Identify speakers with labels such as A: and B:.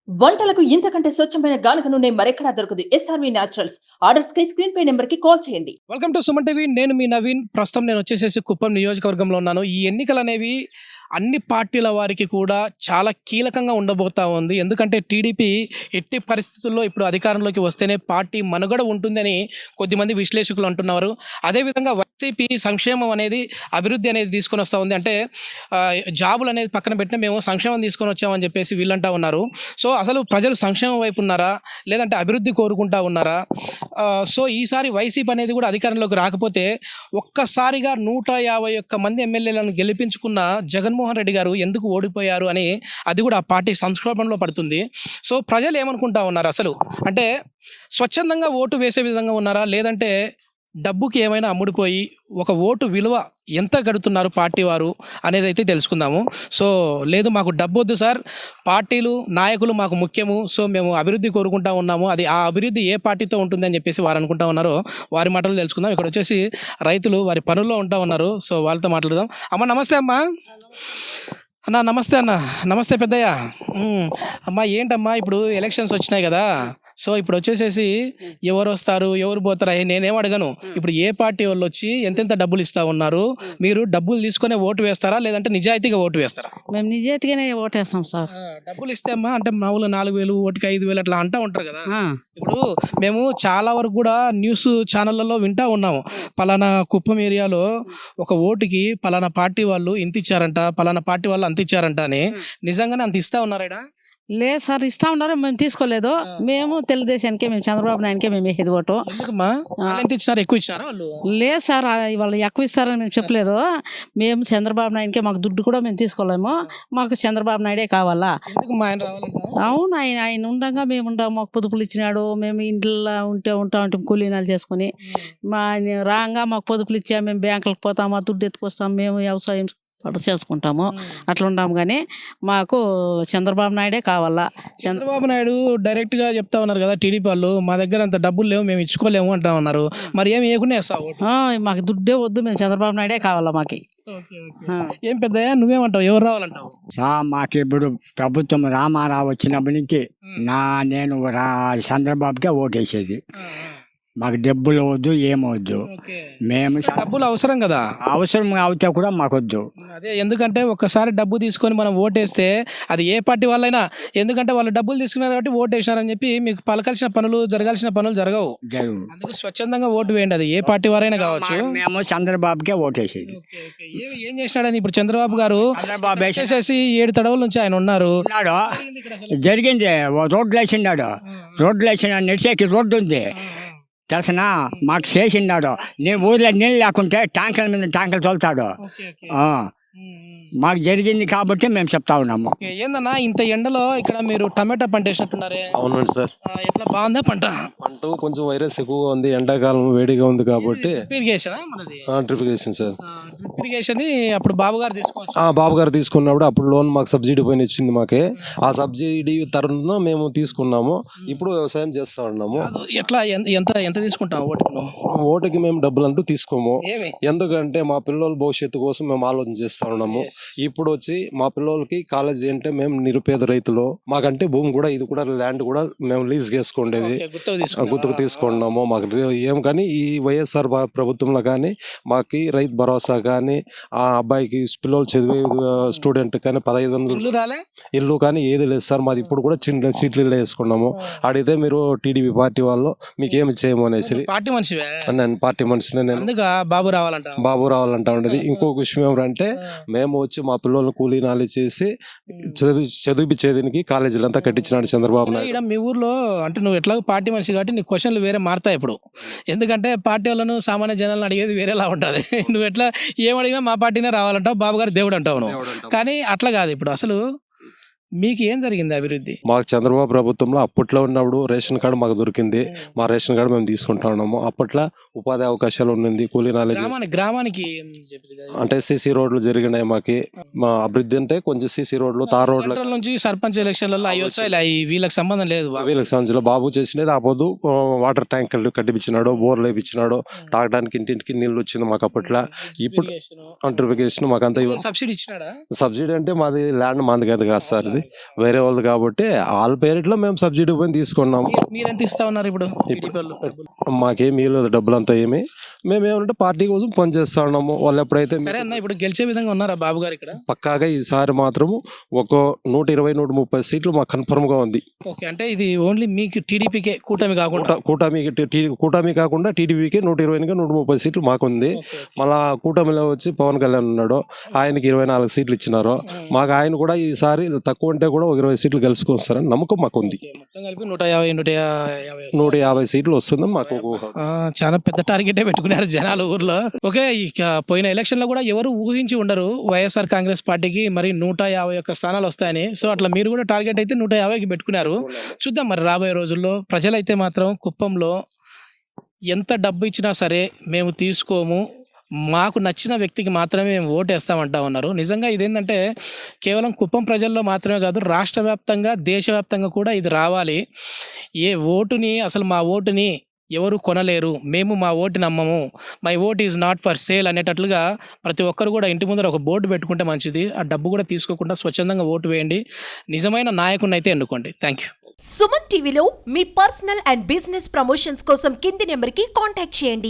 A: వంటలకు ఇంతకంటే స్వచ్ఛమైన గానుగ నూనె మరెక్కడా దొరకదు. SRV naturals. ఆర్డర్స్ కై స్క్రీన్ పై నెంబర్ కి కాల్ చేయండి.
B: Welcome to Suman TV. నేను మీ నవీన్. ప్రస్తుతం నేను వచ్చేసేసి కుప్పం నియోజకవర్గంలో ఉన్నాను. ఈ ఎన్నికలు అనేవి అన్ని పార్టీల వారికి కూడా చాలా కీలకంగా ఉండబోతా ఉంది. ఎందుకంటే టీడీపీ ఎట్టి పరిస్థితుల్లో ఇప్పుడు అధికారంలోకి వస్తేనే పార్టీ మనుగడ ఉంటుందని కొద్దిమంది విశ్లేషకులు అంటున్నారు. అదేవిధంగా వైసీపీ సంక్షేమం అనేది అభివృద్ధి అనేది తీసుకొని వస్తూ ఉంది. అంటే జాబులు అనేది పక్కన పెట్టిన మేము సంక్షేమం తీసుకొని వచ్చామని చెప్పేసి వీళ్ళంటా ఉన్నారు. సో అసలు ప్రజలు సంక్షేమం వైపు ఉన్నారా, లేదంటే అభివృద్ధి కోరుకుంటా ఉన్నారా? సో ఈసారి వైసీపీ అనేది కూడా అధికారంలోకి రాకపోతే ఒక్కసారిగా 151 మంది ఎమ్మెల్యేలను గెలిపించుకున్న జగన్మోహన్ రెడ్డి గారు ఎందుకు ఓడిపోయారు అని అది కూడా ఆ పార్టీ సంక్షోభంలో పడుతుంది. సో ప్రజలు ఏమనుకుంటా ఉన్నారు అసలు? అంటే స్వచ్ఛందంగా ఓటు వేసే విధంగా ఉన్నారా, లేదంటే డబ్బుకి ఏమైనా అమ్ముడిపోయి ఒక ఓటు విలువ ఎంత గడుతున్నారు పార్టీ వారు అనేది అయితే తెలుసుకుందాము. సో లేదు, మాకు డబ్బు వద్దు సార్, పార్టీలు నాయకులు మాకు ముఖ్యము, సో మేము అభివృద్ధి కోరుకుంటా ఉన్నాము, అది ఆ అభివృద్ధి ఏ పార్టీతో ఉంటుంది అని చెప్పేసి వారు అనుకుంటా ఉన్నారో వారి మాటలు తెలుసుకుందాం. ఇక్కడ వచ్చేసి రైతులు వారి పనుల్లో ఉంటా ఉన్నారు. సో వాళ్ళతో మాట్లాడదాం. అమ్మ నమస్తే. అమ్మా అన్న నమస్తే. అన్న నమస్తే పెద్దయ్య. అమ్మా ఏంటమ్మా ఇప్పుడు ఎలక్షన్స్ వచ్చినాయి కదా, సో ఇప్పుడు వచ్చేసేసి ఎవరు వస్తారు ఎవరు పోతారా నేనేం అడగను. ఇప్పుడు ఏ పార్టీ వాళ్ళు వచ్చి ఎంతెంత డబ్బులు ఇస్తా ఉన్నారు, మీరు డబ్బులు తీసుకునే ఓటు వేస్తారా, లేదంటే నిజాయితీగా ఓటు వేస్తారా?
C: మేము నిజాయితీగానే ఓటేస్తాం సార్.
B: డబ్బులు ఇస్తే అమ్మా అంటే మామూలు 4,000 ఓటుకి 5,000 అట్లా అంటూ ఉంటారు కదా. ఇప్పుడు మేము చాలా వరకు కూడా న్యూస్ ఛానళ్ళలో వింటా ఉన్నాము, పలానా కుప్పం ఏరియాలో ఒక ఓటుకి పలానా పార్టీ వాళ్ళు ఇంత ఇచ్చారంట, పలానా పార్టీ వాళ్ళు అంత ఇచ్చారంట అని. నిజంగానే అంత ఇస్తా ఉన్నారా?
C: లేదు సార్, ఇస్తా ఉన్నారు, మేము తీసుకోలేదు. మేము తెలుగుదేశానికే, మేము చంద్రబాబు నాయుడుకే మేము వేసేది ఓటు.
B: ఎక్కువ ఇచ్చారా వాళ్ళు?
C: లేదు సార్, వాళ్ళు ఎక్కువ ఇస్తారని మేము చెప్పలేదు. మేము చంద్రబాబు నాయుడుకే, మాకు దుడ్డు కూడా మేము తీసుకోలేము, మాకు చంద్రబాబు నాయుడే కావాలా. అవును, ఆయన ఉండగా మేము ఉంటాం, మాకు పొదుపులు ఇచ్చినాడు, మేము ఇంట్లో ఉంటాం కూలీనాలు చేసుకుని. మా ఆయన రాగా మాకు పొదుపులు ఇచ్చా, మేము బ్యాంకులకు పోతాం, దుడ్డు ఎత్తుకొస్తాం, మేము వ్యవసాయం చేసుకుంటాము, అట్లా ఉంటాము. కానీ మాకు చంద్రబాబు నాయుడే కావాలా.
B: చంద్రబాబు నాయుడు డైరెక్ట్ గా చెప్తా ఉన్నారు కదా టీడీపీ వాళ్ళు, మా దగ్గర అంత డబ్బులు లేవు, మేము ఇచ్చుకోలేము అంటా ఉన్నారు. మరి ఏమి వేయకుండా వేస్తావు?
C: మాకు దుడ్డే వద్దు, మేము చంద్రబాబు నాయుడే కావాలా మాకి.
B: ఏం పెద్దయ్యా నువ్వేమంటావు, ఎవరు రావాలంటావు?
D: మాకు ఇప్పుడు ప్రభుత్వం రామారావు వచ్చినప్పటి నుంచి నేను చంద్రబాబుకే ఓటేసేది. మాకు డబ్బులు వద్దు, ఏమవద్దు. మేము
B: డబ్బులు అవసరం కదా,
D: అవసరం అవుతే కూడా మాకొద్దు.
B: అదే, ఎందుకంటే ఒక్కసారి డబ్బు తీసుకొని మనం ఓటేస్తే అది ఏ పార్టీ వాళ్ళైనా, ఎందుకంటే వాళ్ళు డబ్బులు తీసుకున్నారు కాబట్టి ఓటేసినారని చెప్పి మీకు పలకాల్సిన పనులు జరగాల్సిన పనులు జరగవు. అందుకు స్వచ్ఛందంగా ఓటు వేయండి, అది ఏ పార్టీ వారైనా కావచ్చు.
D: మేము చంద్రబాబుకే ఓటేసేది.
B: ఏం చేసినాడని ఇప్పుడు చంద్రబాబు గారు వేసేసి 7 తడవల నుంచి ఆయన ఉన్నారు.
D: జరిగింది, రోడ్లు వేసినాడు, రోడ్లు వేసిన నడిచేకి రోడ్డు ఉంది తెలిసిన, మాకు చేసినాడు. నేను ఊర్లో నీళ్ళు లేకుంటే ట్యాంకర్ల మీద ట్యాంకర్లు తోలుతాడు. మాకు జరిగింది కాబట్టి మేము చెప్తా ఉన్నాము.
B: ఏందన్నా ఇంత ఎండలో ఇక్కడ మీరు టమాటా పంట వేసినట్టున్నారే?
E: అవునండి సార్.
B: ఎట్లా బాగుందా పంట?
E: కొంచెం వైరస్ ఎక్కువగా ఉంది, ఎండాకాలం వేడిగా ఉంది కాబట్టి
B: drip irrigation sir. Drip irrigation అప్పుడు బాబు గారు
E: బాబు గారు తీసుకున్నప్పుడు అప్పుడు లోన్ మాకు సబ్సిడీ పైన ఇచ్చింది మాకే. ఆ సబ్సిడీ తరుణం మేము తీసుకున్నాము, ఇప్పుడు వ్యవసాయం చేస్తా ఉన్నాము.
B: ఎట్లా ఎంత ఎంత తీసుకుంటాం
E: ఓటుకి? మేము డబ్బులు అంటూ తీసుకోము, ఎందుకంటే మా పిల్లల భవిష్యత్తు కోసం మేము ఆలోచన చేస్తా ఉన్నాము. ఇప్పుడు వచ్చి మా పిల్లలకి కాలేజీ అంటే మేము నిరుపేద రైతులు, మాకంటే భూమి కూడా ఇది కూడా ల్యాండ్ కూడా మేము లీజ్ చేసుకుండేది, గుర్తుకు తీసుకున్నాము. మాకు ఏం కానీ ఈ వైఎస్ఆర్ ప్రభుత్వంలో కానీ మాకు రైతు భరోసా కానీ, ఆ అబ్బాయికి పిల్లలు చదివే స్టూడెంట్ కానీ 1500 ఇల్లు కానీ ఏది లేదు సార్. మాది ఇప్పుడు కూడా చిన్న సీట్లు వేసుకున్నాము. అడిగితే మీరు టీడీపీ పార్టీ వాళ్ళు మీకు ఏమి చేయము అనేసి.
B: పార్టీ మనిషి,
E: నేను పార్టీ మనిషిని, నేను బాబు రావాలంటా ఉండేది. ఇంకొక విషయం ఏమంటే, మేము వచ్చి మా పిల్లల్ని కూలీ నాలి చేసి చదివించేదానికి కాలేజీలు అంతా కట్టించినాడు చంద్రబాబు నాయుడు.
B: మీ ఊర్లో అంటే నువ్వు ఎట్లా పార్టీ మనిషి కాబట్టి నీ క్వశ్చన్లు వేరే మారుతాయి ఇప్పుడు, ఎందుకంటే పార్టీ వాళ్ళను సామాన్య జనాలను అడిగేది వేరేలా ఉంటుంది. నువ్వు ఎట్లా ఏమడిగినా మా పార్టీనే రావాలంటావు, బాబు గారు దేవుడు అంటావు నువ్వు. కానీ అట్లా కాదు, ఇప్పుడు అసలు మీకు ఏం జరిగింది అభివృద్ధి?
E: మాకు చంద్రబాబు ప్రభుత్వంలో అప్పట్లో ఉన్నప్పుడు రేషన్ కార్డు మాకు దొరికింది, మా రేషన్ కార్డు మేము తీసుకుంటా ఉన్నాము. అప్పట్లో ఉపాధి అవకాశాలు ఉన్నది, కూలీ నాలెడ్జ్.
B: గ్రామానికి
E: అంటే సీసీ రోడ్లు జరిగినాయి మాకి. మా అభివృద్ధి అంటే కొంచెం సీసీ రోడ్లు, తార్ రోడ్ల
B: నుంచి సర్పంచ్ ఎలక్షన్లలో వీళ్ళకి సంబంధం లేదు.
E: వీళ్ళకి సంబంధించిన బాబు చేసినది ఆపోదు వాటర్ ట్యాంకర్లు కట్టిపించినాడు, బోర్లు వేయించినాడు, తాగడానికి ఇంటింటికి నీళ్ళు వచ్చింది మాకు అప్పట్లో. ఇప్పుడు అంటర్ఫికేషన్ మాకంతా
B: సబ్సిడీ ఇచ్చినాడా?
E: సబ్సిడీ అంటే మాది ల్యాండ్ మాది కాదు సార్, అది వేరే వాళ్ళది కాబట్టి వాళ్ళ పేరిట్లో మేము సబ్సిడీ పైన తీసుకున్నాము.
B: మీరు ఎంత ఇస్తా ఉన్నారు ఇప్పుడు టీడీపీ వాళ్ళు డబ్బులు?
E: మాకేమీ లేదు డబ్బులు అంతా ఏమి, మేము ఏమంటే పార్టీ కోసం పనిచేస్తా ఉన్నాము. వాళ్ళు ఎప్పుడైతే
B: సరే అన్న, ఇప్పుడు గెలిచే విధంగా ఉన్నారా బాబు గారు ఇక్కడ?
E: పక్కాగా ఈసారి మాత్రము ఒక 120-130 సీట్లు మాకు కన్ఫర్మ్ గా ఉంది.
B: ఓకే, అంటే ఇది ఓన్లీ మీకు టీడీపీకే, కూటమి కాకుండా?
E: కూటమి కాకుండా టీడీపీకి 120-130 సీట్లు మాకుంది. మళ్ళా కూటమిలో వచ్చి పవన్ కళ్యాణ్ ఉన్నాడు, ఆయనకి 24 సీట్లు ఇచ్చినారు. మాకు ఆయన కూడా ఈసారి తక్కువ అంటే కూడా ఒక 20 సీట్లు గెలుచుకొస్తారని నమ్మకం మాకు ఉంది.
B: మొత్తం కలిపి
E: 150 సీట్లు వస్తుందని మాకు
B: చాలా పెద్ద టార్గెటే పెట్టుకున్నారు జనాలు ఊర్లో. ఓకే, ఇక పోయిన ఎలక్షన్ లో కూడా ఎవరు ఊహించి ఉండరు వైఎస్ఆర్ కాంగ్రెస్ పార్టీకి మరి 151 స్థానాలు వస్తాయని. సో అట్లా మీరు కూడా టార్గెట్ అయితే 150కి పెట్టుకున్నారు. చూద్దాం మరి రాబోయే రోజుల్లో. ప్రజలైతే మాత్రం కుప్పంలో ఎంత డబ్బు ఇచ్చినా సరే మేము తీసుకోము, మాకు నచ్చిన వ్యక్తికి మాత్రమే మేము ఓటేస్తామంటా ఉన్నారు. నిజంగా ఇదేంటంటే కేవలం కుప్పం ప్రజల్లో మాత్రమే కాదు, రాష్ట్ర వ్యాప్తంగా దేశవ్యాప్తంగా కూడా ఇది రావాలి. ఏ ఓటుని అసలు మా ఓటుని ఎవరు కొనలేరు, మేము మా ఓటు నమ్మము, my vote is not for sale అనేటట్లుగా ప్రతి ఒక్కరు కూడా ఇంటి ముందర ఒక బోర్డు పెట్టుకుంటే మంచిది. ఆ డబ్బు కూడా తీసుకోకుండా స్వచ్ఛందంగా ఓటు వేయండి, నిజమైన నాయకుడిని అయితే ఎన్నుకోండి. Thank you.
F: సుమన్ టీవీలో మీ పర్సనల్ అండ్ బిజినెస్ ప్రమోషన్స్ కోసం కింది నెంబర్కి కాంటాక్ట్ చేయండి.